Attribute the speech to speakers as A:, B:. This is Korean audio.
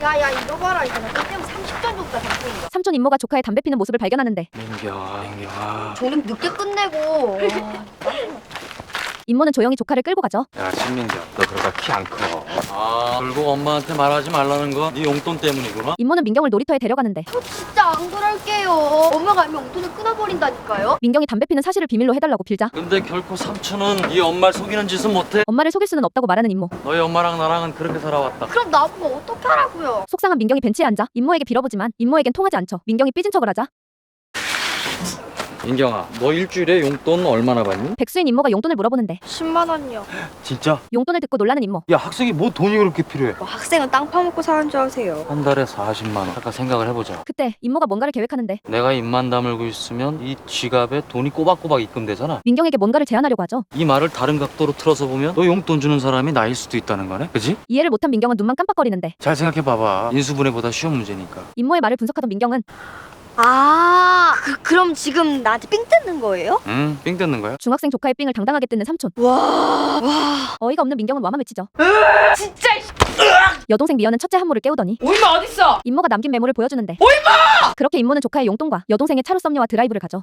A: 야야 이거 봐라 이거 나 때문에 30전 줬다 당신이가.
B: 삼촌 임모가 조카의 담배 피는 모습을 발견하는데
C: 민경아.
A: 저는 늦게 끝내고.
B: 임모는 조용히 조카를 끌고 가죠.
C: 야 신민경, 너 그러다 키 안 커. 아, 결국 엄마한테 말하지 말라는 거 네 용돈 때문이구나.
B: 임모는 민경을 놀이터에 데려가는데
A: 저 진짜 안 그럴게요. 엄마가 알면 용돈을 끊어버린다니까요.
B: 민경이 담배 피는 사실을 비밀로 해달라고 빌자
C: 근데 결코 삼촌은 네 엄마를 속이는 짓은 못해.
B: 엄마를 속일 수는 없다고 말하는 임모.
C: 너희 엄마랑 나랑은 그렇게 살아왔다.
A: 그럼 나보고 어떻게 하라고요?
B: 속상한 민경이 벤치에 앉아 임모에게 빌어보지만 임모에겐 통하지 않죠. 민경이 삐진 척을 하자
C: 민경아, 너 일주일에 용돈 얼마나 받니?
B: 백수인 임모가 용돈을 물어보는데
A: 10만 원이요.
C: 진짜?
B: 용돈을 듣고 놀라는 임모.
C: 야, 학생이 뭐 돈이 그렇게 필요해?
A: 뭐 학생은 땅 파먹고 사는 줄 아세요?
C: 한 달에 40만 원. 잠깐 생각을 해보자.
B: 그때 임모가 뭔가를 계획하는데
C: 내가 입만 다물고 있으면 이 지갑에 돈이 꼬박꼬박 입금되잖아.
B: 민경에게 뭔가를 제안하려고 하죠.
C: 이 말을 다른 각도로 틀어서 보면 너 용돈 주는 사람이 나일 수도 있다는 거네, 그지?
B: 이해를 못한 민경은 눈만 깜빡거리는데
C: 잘 생각해봐봐. 인수분해보다 쉬운 문제니까.
B: 임모의 말을 분석하던 민경은
A: 아, 그럼 지금 나한테 삥 뜯는 거예요?
C: 응, 삥 뜯는 거야?
B: 중학생 조카의 삥을 당당하게 뜯는 삼촌.
A: 와,
B: 어이가 없는 민경은 와마 외치죠.
D: 진짜
B: 여동생 미연은 첫째 한모를 깨우더니
D: 오이마 어딨어?
B: 임모가 남긴 메모를 보여주는데 오이마! 그렇게 임모는 조카의 용돈과 여동생의 차로 썸녀와 드라이브를 가죠.